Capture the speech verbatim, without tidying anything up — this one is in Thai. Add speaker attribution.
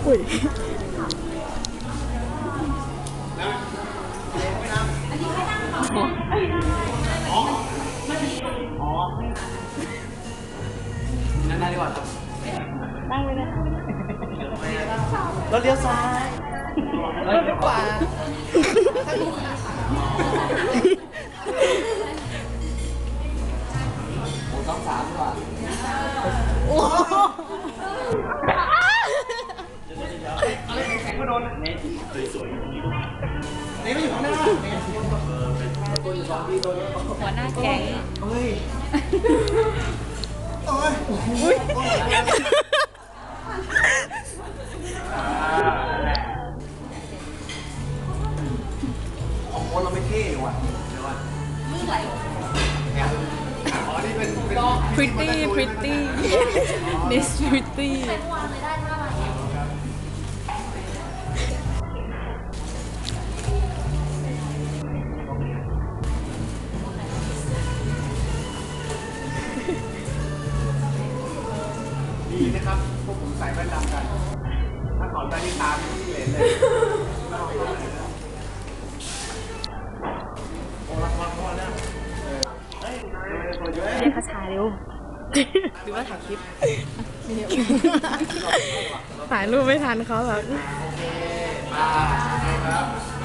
Speaker 1: อุ้ย
Speaker 2: นั่งได้ดีกว่าครับ
Speaker 1: นั่งไปเลย
Speaker 2: รถเลี้ยวซ้ายรถเลี้ยวขวาโอ้ต้องสามดีกว่าโอ้อะไรแข็งๆก็โดนเนทสวยๆนี่ไม่อยู่ข้างหน้าตัวอยู่สองที่ตัวนี้
Speaker 1: หัวหน้าแก๊ง
Speaker 2: เฮ้ยโอ้ยอุ้ยของคนเราไม่เท่ว่ะเดี๋ยวก่อนมือไหลอ๋อนี่เป็นเป็น
Speaker 1: pretty pretty Miss pretty
Speaker 2: ดีนะครับพวกผมใส่แว่นดำกันถ้าถอดแว่นนี่ตามที่เหลนเลยโอ้รักรักพ่อแล้วเฮ้ยเยอะ
Speaker 1: เรียกคาชาเร็วหรือว่าถ่ายคลิปถ่ายรูปไม่ทันเขาแบบ
Speaker 2: โอเคมาครับ